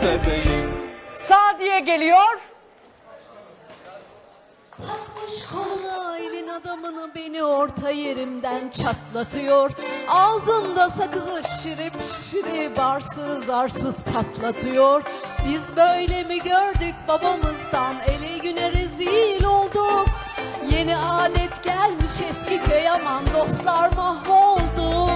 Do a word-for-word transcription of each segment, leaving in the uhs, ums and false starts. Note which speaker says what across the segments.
Speaker 1: bebeğim.
Speaker 2: Sadiye geliyor.
Speaker 3: Takmış koluna elin adamını, beni orta yerimden çatlatıyor. Ağzında sakızı şirip şirip arsız arsız patlatıyor. Biz böyle mi gördük babamızdan, ele güne rezil olduk. Yeni adet gelmiş eski köy, aman dostlar mahvoldu.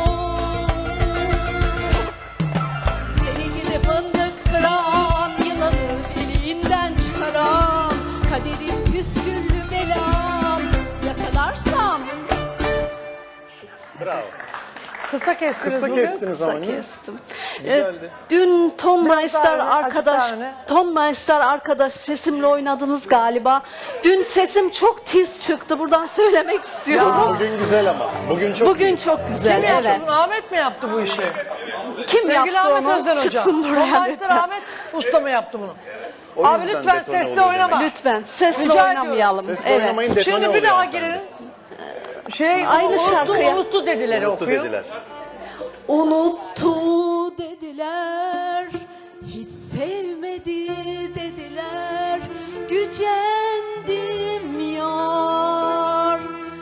Speaker 3: Seni gidip fındık kıran, yılanı deliğinden çıkaran, kaderim püsküllü belam, yakalarsam.
Speaker 4: Bravo.
Speaker 2: Kısa kestiniz
Speaker 4: Kısa
Speaker 2: bugün.
Speaker 4: kestiniz ama. değil mi?
Speaker 5: Kestim.
Speaker 4: Güzeldi.
Speaker 5: Ee, dün Ton Meister
Speaker 2: daha öne,
Speaker 5: arkadaş,
Speaker 2: açık daha öne.
Speaker 5: Ton Meister arkadaş sesimle oynadınız galiba. Dün sesim çok tiz çıktı. Buradan söylemek istiyorum.
Speaker 4: Bugün güzel ama. Bugün çok
Speaker 5: Bugün çok güzel.
Speaker 2: Kim yaptı
Speaker 5: Evet.
Speaker 2: bunu? Ahmet mi yaptı bu işi?
Speaker 5: Kim
Speaker 2: Sevgili
Speaker 5: yaptı
Speaker 2: Ahmet
Speaker 5: onu?
Speaker 2: Özden Hoca.
Speaker 5: Çıksın buraya
Speaker 2: Konmaster
Speaker 5: lütfen.
Speaker 2: Ahmet Usta mı yaptı bunu?
Speaker 4: O
Speaker 2: Abi
Speaker 4: yüzden
Speaker 2: lütfen
Speaker 4: detone
Speaker 2: sesle
Speaker 4: oluyor
Speaker 2: oynama.
Speaker 4: demek.
Speaker 5: Lütfen sesle
Speaker 2: Rica
Speaker 5: oynamayalım.
Speaker 4: Sesle
Speaker 5: Evet.
Speaker 4: oynamayın, detone
Speaker 2: Şimdi bir
Speaker 4: oluyor
Speaker 2: daha
Speaker 4: hanımefendi.
Speaker 2: girelim. Şey
Speaker 5: Aynı
Speaker 2: unuttu,
Speaker 5: şarkıya.
Speaker 2: unuttu dediler
Speaker 4: Unuttu
Speaker 2: okuyun.
Speaker 4: dediler.
Speaker 3: Unuttu dediler, hiç sevmedi dediler, gücendim yar.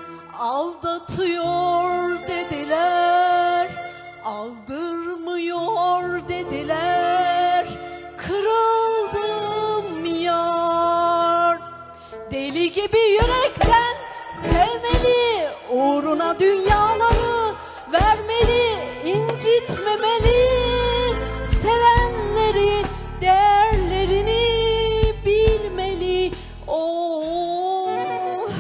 Speaker 3: Aldatıyor dediler, aldırmıyor dediler, kırıldım yar. Deli gibi yürekten sevmeli, uğruna dünyaları vermeli, incitmemeli. Sevenleri değerlerini bilmeli. Oo.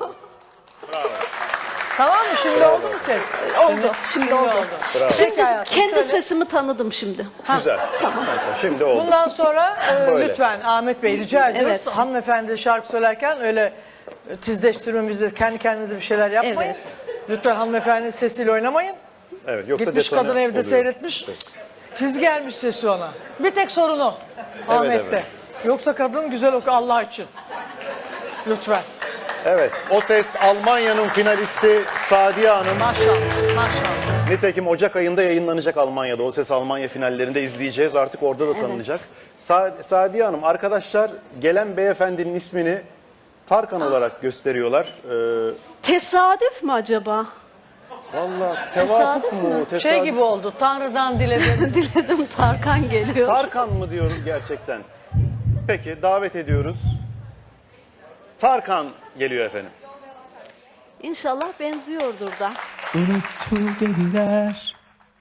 Speaker 2: Tamam mı? Şimdi oldu mu ses?
Speaker 5: Oldu. Şimdi oldu.
Speaker 4: Bravo.
Speaker 5: Şimdi
Speaker 2: Peki hayatım,
Speaker 5: kendi
Speaker 2: şöyle.
Speaker 5: sesimi tanıdım şimdi.
Speaker 4: Güzel. Tamam. Şimdi oldu.
Speaker 2: Bundan sonra e,
Speaker 4: Böyle.
Speaker 2: lütfen Ahmet Bey rica ediyoruz.
Speaker 5: Evet.
Speaker 2: Hanımefendi şarkı söylerken öyle e, tizleştirmemizde kendi kendinize bir şeyler yapmayın.
Speaker 5: Evet.
Speaker 2: Lütfen hanımefendinin sesiyle oynamayın.
Speaker 4: Evet, yoksa
Speaker 2: Gitmiş
Speaker 4: detone
Speaker 2: kadın evde
Speaker 4: oluyor.
Speaker 2: seyretmiş.
Speaker 4: Ses.
Speaker 2: Tiz gelmiş sesi ona. Bir tek sorunu Ahmet'te.
Speaker 4: evet.
Speaker 2: Yoksa kadın güzel oku Allah için. Lütfen.
Speaker 4: Evet, o ses Almanya'nın finalisti Sadiye Hanım.
Speaker 2: Maşallah. Maşallah.
Speaker 4: Nitekim Ocak ayında yayınlanacak Almanya'da. O ses Almanya finallerinde izleyeceğiz. Artık orada da tanınacak. Sa- Sadiye Hanım, arkadaşlar gelen beyefendinin ismini Tarkan olarak gösteriyorlar. Ee,
Speaker 5: Tesadüf mü acaba?
Speaker 4: Valla
Speaker 5: Tesadüf
Speaker 4: tevafuk
Speaker 5: mü?
Speaker 4: mu? Tesadüf.
Speaker 2: Şey gibi oldu. Tanrı'dan diledim.
Speaker 5: Diledim Tarkan geliyor.
Speaker 4: Tarkan mı diyoruz gerçekten? Peki, davet ediyoruz. Tarkan geliyor efendim.
Speaker 5: İnşallah benziyordur da.
Speaker 1: Unuttu dediler,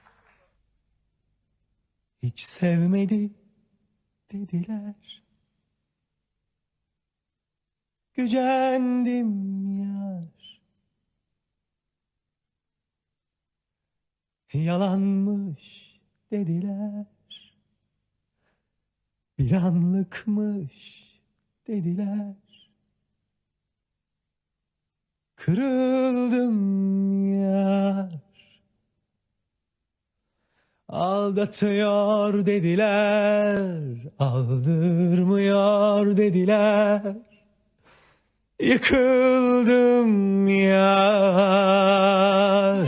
Speaker 1: hiç sevmedi dediler. Gücendim yar, yalanmış dediler. Bir anlıkmış dediler. Kırıldım yar, aldatıyor dediler, aldırmıyor dediler. Yıkıldım yar,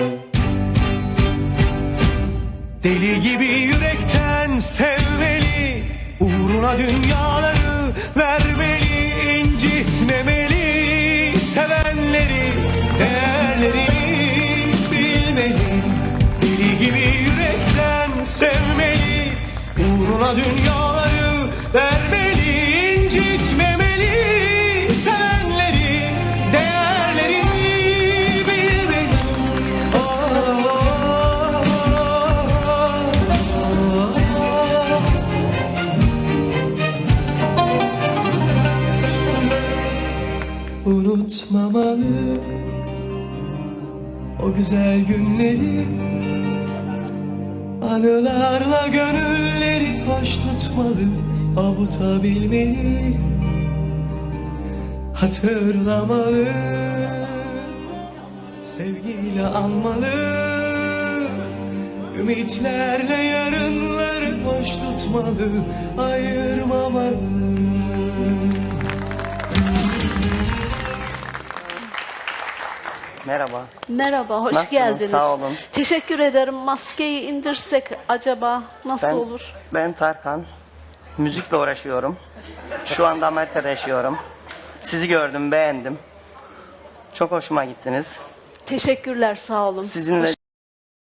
Speaker 1: deli gibi yürekten sevmeli, uğruna dünyaları vermeli, incitmemeli. Sevenleri, değerlerini bilmeli. Deli gibi yürekten sevmeli, uğruna dünyaları vermeli, incitmemeli. Sevenleri, değerlerini bilmeli. Oh, oh, oh. Unutmamalı o güzel günleri, anılarla gönülleri hoş tutmalı, avutabilmeli, hatırlamalı, sevgiyle anmalı, ümitlerle yarınları hoş tutmalı, ayırmamalı.
Speaker 6: Merhaba.
Speaker 5: Merhaba, hoş
Speaker 6: Nasılsınız?
Speaker 5: geldiniz.
Speaker 6: Sağ olun.
Speaker 5: Teşekkür ederim. Maskeyi indirsek acaba nasıl
Speaker 6: Ben,
Speaker 5: olur?
Speaker 6: ben Tarkan. Müzikle uğraşıyorum. Şu anda Amerika'da yaşıyorum. Sizi gördüm, beğendim. Çok hoşuma gittiniz.
Speaker 5: Teşekkürler, sağ olun.
Speaker 6: Sizinle